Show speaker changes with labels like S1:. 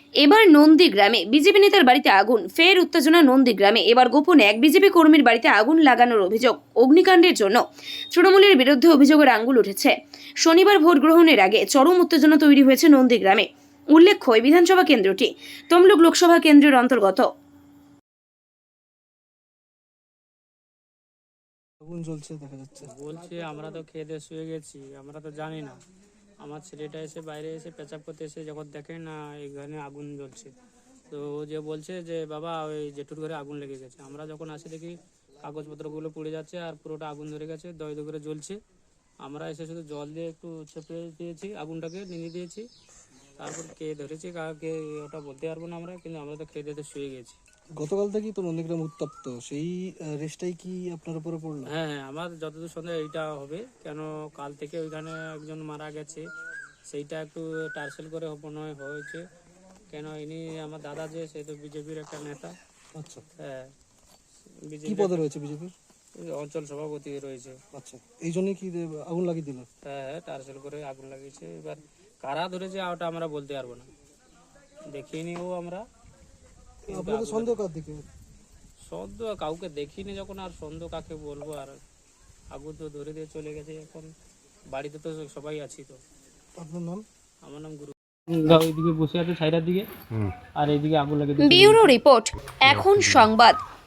S1: এবার নন্দীগ্রামে বিজেপি নেতার বাড়িতে আগুন, ফের উত্তেজনা নন্দীগ্রামে। এবার গোপনে এক বিজেপি কর্মীর বাড়িতে আগুন লাগানোর অভিযোগ। অগ্নিকাণ্ডের জন্য তৃণমূলের বিরুদ্ধে অভিযোগের আঙুল উঠেছে। শনিবার ভোট গ্রহণের আগে চরম উত্তেজনা তৈরি হয়েছে নন্দীগ্রামে। উল্লেখ্য, এই বিধানসভা কেন্দ্রটি তমলুক লোকসভা কেন্দ্রের অন্তর্গত।
S2: আগুন জ্বলছে দেখা যাচ্ছে।
S3: বলছে আমরা তো খেয়ে দিয়ে শুয়ে গেছি, আমরা তো জানি না। আমার ছেলেটা এসে বাইরে এসে পেঁচাপ করতে এসে যখন দেখে না এখানে আগুন জ্বলছে, তো ও যে বলছে যে বাবা ওই জেঠুর ঘরে আগুন লেগে গেছে। আমরা যখন আসি দেখি কাগজপত্রগুলো পুড়ে যাচ্ছে আর পুরোটা আগুন ধরে গেছে, দই দই করে জ্বলছে। আমরা এসে শুধু জল দিয়ে একটু চেপে দিয়েছি, আগুনটাকে নিভিয়ে দিয়েছি। তারপর কে ধরেছি কাকে ওটা বলতে পারবো না আমরা, কিন্তু আমরা তো খেয়ে দিয়ে শুয়ে গেছি।
S2: গতকাল থেকেই তো নন্দীগ্রাম উত্তপ্ত, সেই রেশটাই কি আপনার উপরে পড়লো?
S3: হ্যাঁ, আমার যতদূর সন্দেহ এইটা হবে, কেন কাল থেকে ওইখানে একজন মারা গেছে, সেইটা একটু টার্সেল করে মনে হয় হয়েছে। কেন ইনি আমার দাদা যে, সে তো বিজেপির একটা নেতা।
S2: আচ্ছা,
S3: হ্যাঁ,
S2: কি
S3: বিজেপি
S2: পদে রয়েছে বিজেপির?
S3: অঞ্চল সভাপতি রয়েছে।
S2: আচ্ছা, এই জন্যই কি আগুন লাগিয়ে দিল?
S3: হ্যাঁ, টার্সেল করে আগুন লাগিয়েছে। এবার কারা ধরেছে ওটা আমরা বলতে পারবো না, দেখিনি ও আমরা। কিন্তু
S2: আপনাদের
S3: আগুন-
S2: সন্দেহ কার দিকে?
S3: সন্দেহ কাউকে দেখিনি যখন, আর সন্দেহ কাকে বলবো। আর আগুন তো ধরে দিয়ে চলে গেছে, এখন বাড়িতে তো সবাই আছি। তো
S2: আপনার নাম?
S3: আমার নাম গুরু। ওইদিকে বসে আছে ছাইরার দিকে, আর এইদিকে আগুন লাগে।
S1: ব্যুরো রিপোর্ট, এখন সংবাদ।